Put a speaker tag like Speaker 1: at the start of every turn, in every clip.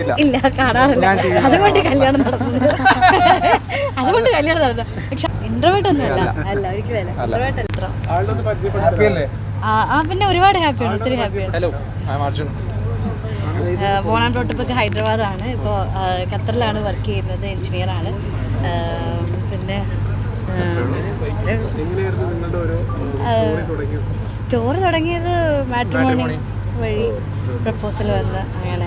Speaker 1: ഇല്ല, കാണാറില്ല. അതുകൊണ്ട് കല്യാണം നടന്നത്. പക്ഷെ ഇൻട്രോവേർട്ട് ഒന്നും അല്ല ഒരിക്കലും ഇൻട്രോവേർട്ട് അല്ല. പിന്നെ ഒരുപാട് ഹാപ്പിയാണ്, ഒത്തിരി ഹാപ്പിയാണ്. ബോൺ ആൻഡ് ബ്രോട്ട് ഹൈദരാബാദാണ്. ഇപ്പോൾ ഖത്തറിലാണ് വർക്ക് ചെയ്യുന്നത്, എഞ്ചിനീയറാണ്. പിന്നെ സ്റ്റോറി തുടങ്ങിയത് മാട്രിമോണി വഴി പ്രപ്പോസൽ വന്ന് അങ്ങനെ.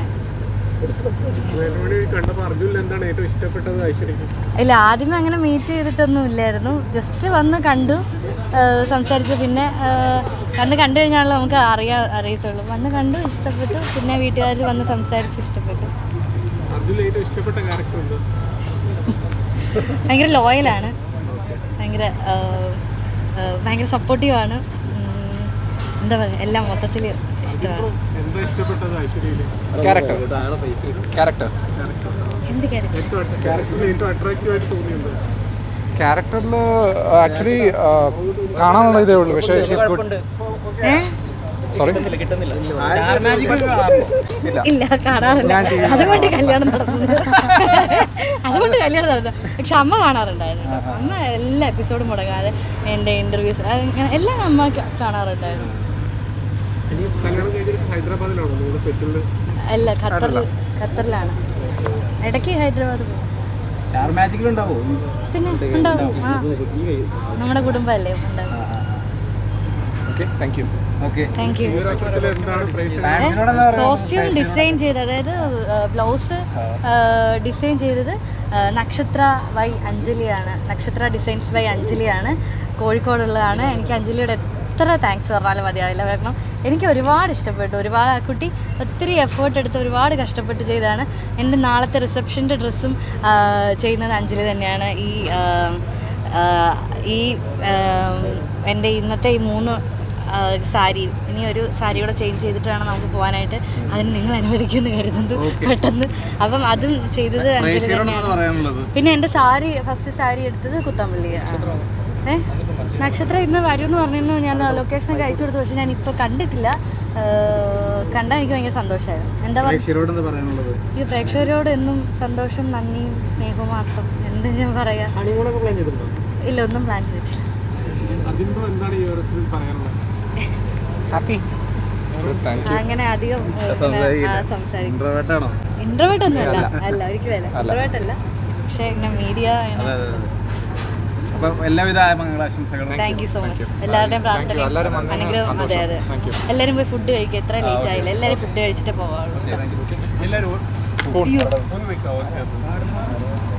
Speaker 1: ഇല്ല, ആദ്യമേ അങ്ങനെ മീറ്റ് ചെയ്തിട്ടൊന്നും ഇല്ലായിരുന്നു. ജസ്റ്റ് വന്ന് കണ്ടു, സംസാരിച്ചു. പിന്നെ കണ്ടു കഴിഞ്ഞാണല്ലോ നമുക്ക് അറിയത്തുള്ളൂ. വന്ന് കണ്ടു, ഇഷ്ടപ്പെട്ടു. പിന്നെ വീട്ടുകാർ വന്ന് സംസാരിച്ചു, ഇഷ്ടപ്പെട്ടു. ഭയങ്കര ലോയലാണ്, ഭയങ്കര സപ്പോർട്ടീവാണ്. എന്താ പറയുക, എല്ലാം മൊത്തത്തിൽ ഇഷ്ടമാണ്.
Speaker 2: ക്യാരക്ടറിൽ ആക്ച്വലി കാണാനുള്ള ഇതേ ഉള്ളൂ. പക്ഷേ സോറി
Speaker 1: ഇല്ല, കാണാറില്ല. അതുകൊണ്ട് കല്യാണം നടന്നത്. പക്ഷെ അമ്മ കാണാറുണ്ടായിരുന്നു. അമ്മ എല്ലാ എപ്പിസോഡും മുടങ്ങാതെ എൻ്റെ ഇൻ്റർവ്യൂസ് എല്ലാം അമ്മ കാണാറുണ്ടായിരുന്നു. അല്ല, ഖത്തറിലാണ്. ഇടയ്ക്ക് ഹൈദരാബാദ് പോകും. പിന്നെ ഉണ്ടാവും. നമ്മുടെ കുടുംബമല്ലേ, ഉണ്ടാവും. കോസ്റ്റ്യൂം ഡിസൈൻ ചെയ്ത്, അതായത് ബ്ലൗസ് ഡിസൈൻ ചെയ്തത് നക്ഷത്ര ബൈ അഞ്ജലിയാണ്. നക്ഷത്ര ഡിസൈൻസ് ബൈ അഞ്ജലിയാണ്, കോഴിക്കോടുള്ളതാണ്. എനിക്ക് അഞ്ജലിയുടെ എത്ര താങ്ക്സ് പറഞ്ഞാലും മതിയാവില്ല. കാരണം എനിക്ക് ഒരുപാട് ഇഷ്ടപ്പെട്ടു. ഒരുപാട് ആ കുട്ടി ഒത്തിരി എഫേർട്ട് എടുത്ത് ഒരുപാട് കഷ്ടപ്പെട്ട് ചെയ്തതാണ്. എൻ്റെ നാളത്തെ റിസപ്ഷൻ്റെ ഡ്രസ്സും ചെയ്യുന്നത് അഞ്ജലി തന്നെയാണ്. ഈ എൻ്റെ ഇന്നത്തെ ഈ 3 സാരി, ഇനി ഒരു സാരി കൂടെ ചേഞ്ച് ചെയ്തിട്ട് വേണം നമുക്ക് പോകാനായിട്ട്. അതിന് നിങ്ങൾ അനുവദിക്കുമെന്ന് കരുതുന്നു പെട്ടെന്ന്. അപ്പം അതും ചെയ്തത് അഞ്ജലി തന്നെയാണ്. പിന്നെ എൻ്റെ ഫസ്റ്റ് സാരി എടുത്തത് കുത്തമ്പള്ളിയാണ്. നക്ഷത്ര ഇന്ന് വരുമെന്ന് പറഞ്ഞിരുന്നു. ഞാൻ ലൊക്കേഷനൊക്കെ അയച്ചു കൊടുത്തു. പക്ഷെ ഞാൻ ഇപ്പോൾ കണ്ടിട്ടില്ല. കണ്ടാൽ എനിക്ക് ഭയങ്കര സന്തോഷമായിരുന്നു. എന്താ പറയുക, ഈ പ്രേക്ഷകരോട് എന്നും സന്തോഷം, നന്ദിയും സ്നേഹവും മാത്രം. എന്ത് ഞാൻ പറയാ. ഇല്ല, ഒന്നും പ്ലാൻ ചെയ്തിട്ടില്ല. അങ്ങനെ അധികം ഇൻട്രോവേർട്ട് ഒന്നും അല്ല ഒരിക്കലും ഇൻട്രോവേർട്ട് അല്ല. പക്ഷെ ഇങ്ങനെ മീഡിയ
Speaker 3: എല്ലാവിധ മംഗളാശംസകളും.
Speaker 1: Thank you so much. എല്ലാവരുടെയും പ്രാർത്ഥനയും അനുഗ്രഹം. അതെ, എല്ലാവരും പോയി ഫുഡ് കഴിക്കുക. എത്ര ലേറ്റ് ആയില്ല, എല്ലാവരും ഫുഡ് കഴിച്ചിട്ടേ പോകാറുള്ളൂ.